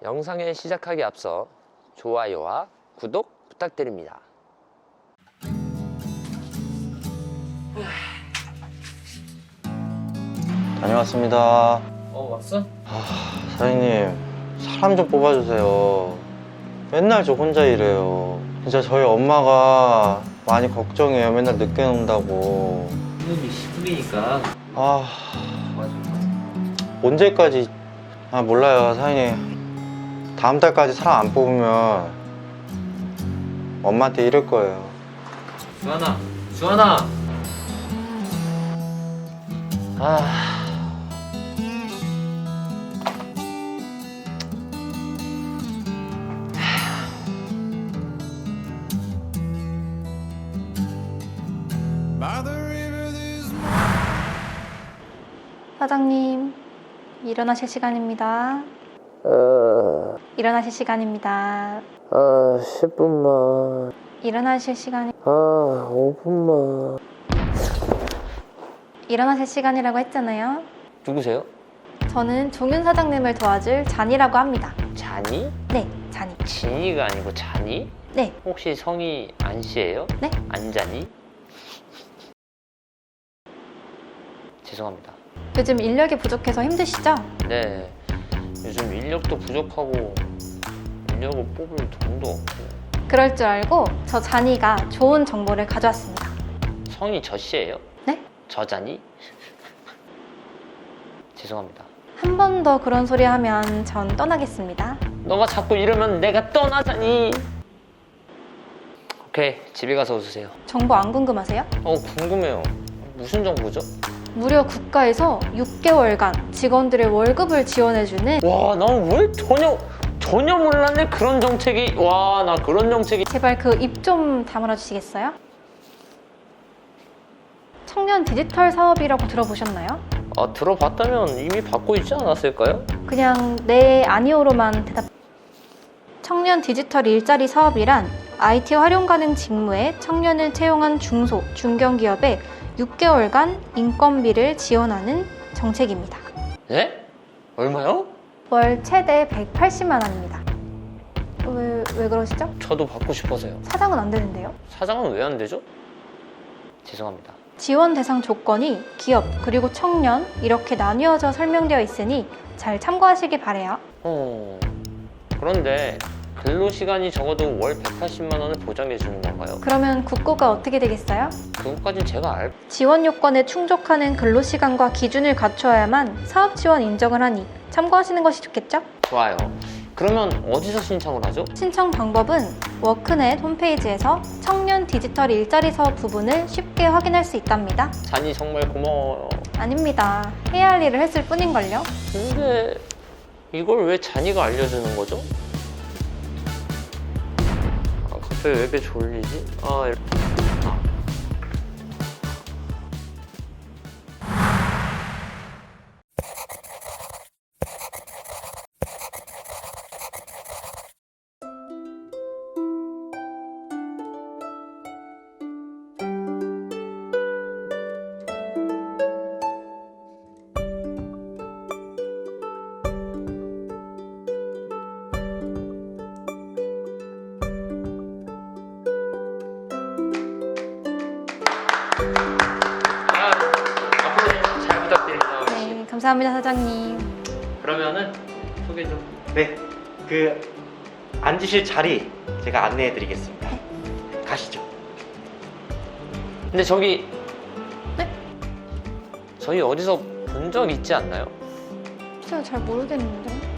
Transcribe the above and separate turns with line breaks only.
영상을 시작하기 앞서 좋아요와 구독 부탁드립니다.
다녀왔습니다.
왔어?
사장님, 사람 좀 뽑아주세요. 맨날 저 혼자 일해요. 진짜 저희 엄마가 많이 걱정해요. 맨날 늦게 논다고.
이놈이 시국이니까
아,
맞아.
언제까지? 아, 몰라요, 사장님. 다음 달까지 사람 안 뽑으면 엄마한테 이럴 거예요.
수환아.
사장님, 일어나실 시간입니다. 일어나실 시간입니다.
10분만.
일어나실 시간이
5분만.
일어나실 시간이라고 했잖아요.
누구세요?
저는 종윤 사장님을 도와줄 잔이라고 합니다.
잔이?
네, 잔이.
진이가 아니고 잔이?
네,
혹시 성이 안씨예요?
네?
안잔이? 죄송합니다.
요즘 인력이 부족해서 힘드시죠?
네, 요즘 인력도 부족하고 인력을 뽑을 돈도 없고.
그럴 줄 알고 저 잔이가 좋은 정보를 가져왔습니다.
성이 저씨예요?
네?
저잔이? 죄송합니다.
한 번 더 그런 소리 하면 전 떠나겠습니다.
너가 자꾸 이러면 내가 떠나자니. 오케이, 집에 가서 웃으세요.
정보 안 궁금하세요?
궁금해요. 무슨 정보죠?
무려 국가에서 6개월간 직원들의 월급을 지원해주는
와, 난 왜 전혀 몰랐네. 그런 정책이. 와, 나 그런 정책이.
제발 그 입 좀 다물어 주시겠어요? 청년 디지털 사업이라고 들어보셨나요?
들어봤다면 이미 받고 있지 않았을까요?
그냥 네, 아니오로만 대답. 청년 디지털 일자리 사업이란 IT 활용 가능 직무에 청년을 채용한 중소, 중견기업에 6개월간 인건비를 지원하는 정책입니다.
네? 얼마요?
월 최대 180만 원입니다. 왜 그러시죠?
저도 받고 싶어서요.
사장은 안 되는데요?
사장은 왜 안 되죠? 죄송합니다.
지원 대상 조건이 기업 그리고 청년 이렇게 나뉘어져 설명되어 있으니 잘 참고하시기 바래요.
그런데 근로시간이 적어도 월 180만 원을 보장해 주는 건가요?
그러면 국고가 어떻게 되겠어요?
그것까진 제가
지원 요건에 충족하는 근로시간과 기준을 갖추어야만 사업 지원 인정을 하니 참고하시는 것이 좋겠죠?
좋아요. 그러면 어디서 신청을 하죠?
신청 방법은 워크넷 홈페이지에서 청년 디지털 일자리 사업 부분을 쉽게 확인할 수 있답니다.
잔이 정말 고마워요.
아닙니다. 해야 할 일을 했을 뿐인걸요.
근데 이걸 왜 잔이가 알려주는 거죠? 갑자기 왜 이렇게 졸리지? 앞으로 잘 부탁드립니다.
네, 감사합니다, 사장님.
그러면은 소개 좀.
네, 앉으실 자리 제가 안내해 드리겠습니다. 가시죠.
근데 저기.
네?
저희 어디서 본 적 있지 않나요?
제가 잘 모르겠는데.